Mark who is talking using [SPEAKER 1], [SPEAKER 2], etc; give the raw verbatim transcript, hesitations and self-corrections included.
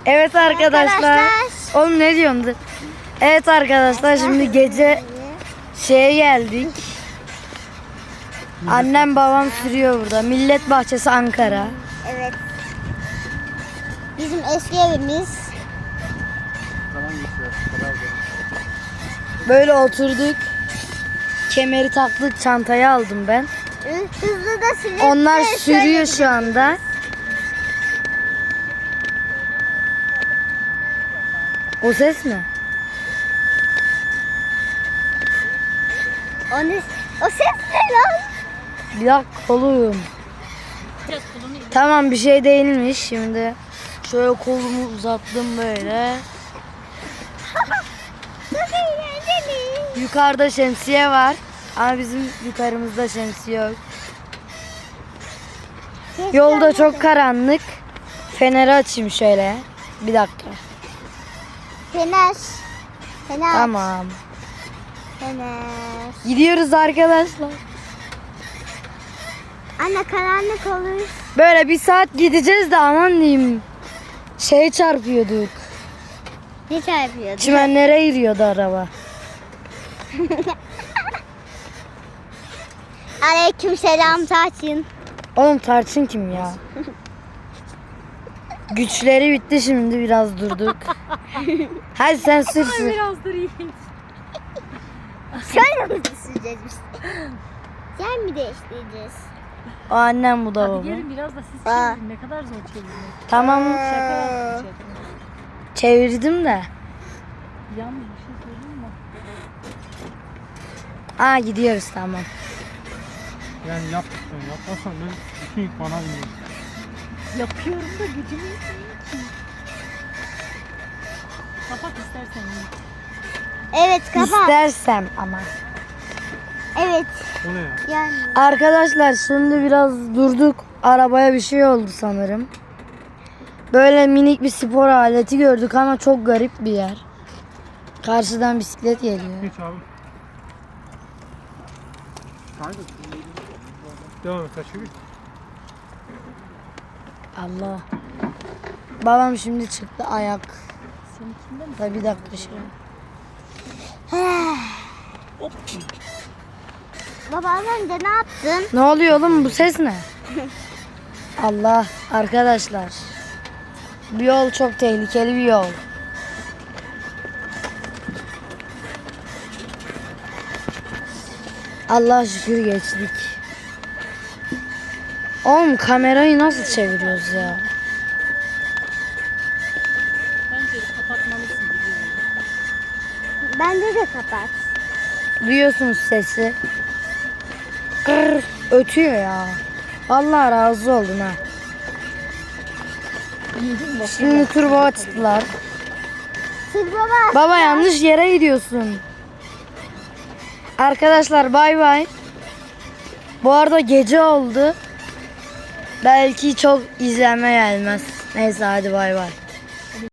[SPEAKER 1] Evet arkadaşlar.
[SPEAKER 2] Arkadaşlar.
[SPEAKER 1] Oğlum ne diyorsun? Evet arkadaşlar şimdi gece şeye geldik. Annem babam sürüyor burada. Millet Bahçesi Ankara.
[SPEAKER 2] Evet. Bizim eski evimiz.
[SPEAKER 1] Böyle oturduk. Kemeri taktık, çantayı aldım ben.
[SPEAKER 2] Hızlı da sürüyor.
[SPEAKER 1] Onlar sürüyor şu anda. O ses mi?
[SPEAKER 2] O, ne, o ses ne lan?
[SPEAKER 1] Bir dakika oğlum. Tamam bir şey değilmiş şimdi. Şöyle kolumu uzattım böyle.
[SPEAKER 2] Çok eğlenceli.
[SPEAKER 1] Yukarıda şemsiye var. Ama bizim yukarımızda şemsiye yok. Yolda çok karanlık. Feneri açayım şöyle. Bir dakika.
[SPEAKER 2] Fener. Fener.
[SPEAKER 1] Tamam.
[SPEAKER 2] Fener.
[SPEAKER 1] Gidiyoruz arkadaşlar.
[SPEAKER 2] Anne karanlık olur.
[SPEAKER 1] Böyle bir saat gideceğiz de aman diyeyim. Şey çarpıyorduk.
[SPEAKER 2] Ne çarpıyordu?
[SPEAKER 1] Çimenlere giriyordu araba.
[SPEAKER 2] Aleyküm selam Taçin.
[SPEAKER 1] Oğlum Tarçın kim ya? Güçleri bitti şimdi biraz durduk. Hadi sen sür sür.
[SPEAKER 3] Biraz durayım.
[SPEAKER 2] Şöyle mi süreceğiz biz? Yer mi değiştireceğiz?
[SPEAKER 1] O annem bu da
[SPEAKER 3] Hadi
[SPEAKER 1] baba.
[SPEAKER 3] gelin biraz da siz
[SPEAKER 2] Aa.
[SPEAKER 3] çevirin. Ne kadar zor çeviriyor.
[SPEAKER 1] Tamam
[SPEAKER 3] Şaka yaptım.
[SPEAKER 1] çevirdim de.
[SPEAKER 3] Yalnız bir şey söyleyeyim mi?
[SPEAKER 1] Aa gidiyoruz tamam.
[SPEAKER 4] Yani yap, yapmasan ben bütün yük bana biniyor.
[SPEAKER 3] Yapıyorum da gücüm yetmiyor ki. Kapat istersen Yiğit.
[SPEAKER 2] Evet kapat.
[SPEAKER 1] İstersem ama.
[SPEAKER 2] Evet.
[SPEAKER 4] O ne ya?
[SPEAKER 2] Yani.
[SPEAKER 1] Arkadaşlar şimdi biraz durduk. Arabaya bir şey oldu sanırım. Böyle minik bir spor aleti gördük ama çok garip bir yer. Karşıdan bisiklet geliyor.
[SPEAKER 4] Geç abi. Devam et taşı bir.
[SPEAKER 1] Allah. Babam şimdi çıktı ayak.
[SPEAKER 3] Seninkinden mi?
[SPEAKER 1] Da bir dakika şuraya.
[SPEAKER 2] Baba az önce ne yaptın?
[SPEAKER 1] Ne oluyor oğlum bu ses ne? Allah arkadaşlar. Bu yol çok tehlikeli bir yol. Allah şükür geçtik. Oğlum kamerayı nasıl çeviriyoruz ya?
[SPEAKER 3] Bence kapatmalısın biliyorum.
[SPEAKER 2] Bence de kapat.
[SPEAKER 1] Duyuyorsunuz sesi. Kırr, ötüyor ya. Vallahi razı oldum ha. Şimdi turbo açtılar.
[SPEAKER 2] Siz baba.
[SPEAKER 1] Baba yanlış yere gidiyorsun. Arkadaşlar bay bay. Bu arada gece oldu. Belki çok izlenme gelmez. Neyse hadi bay bay.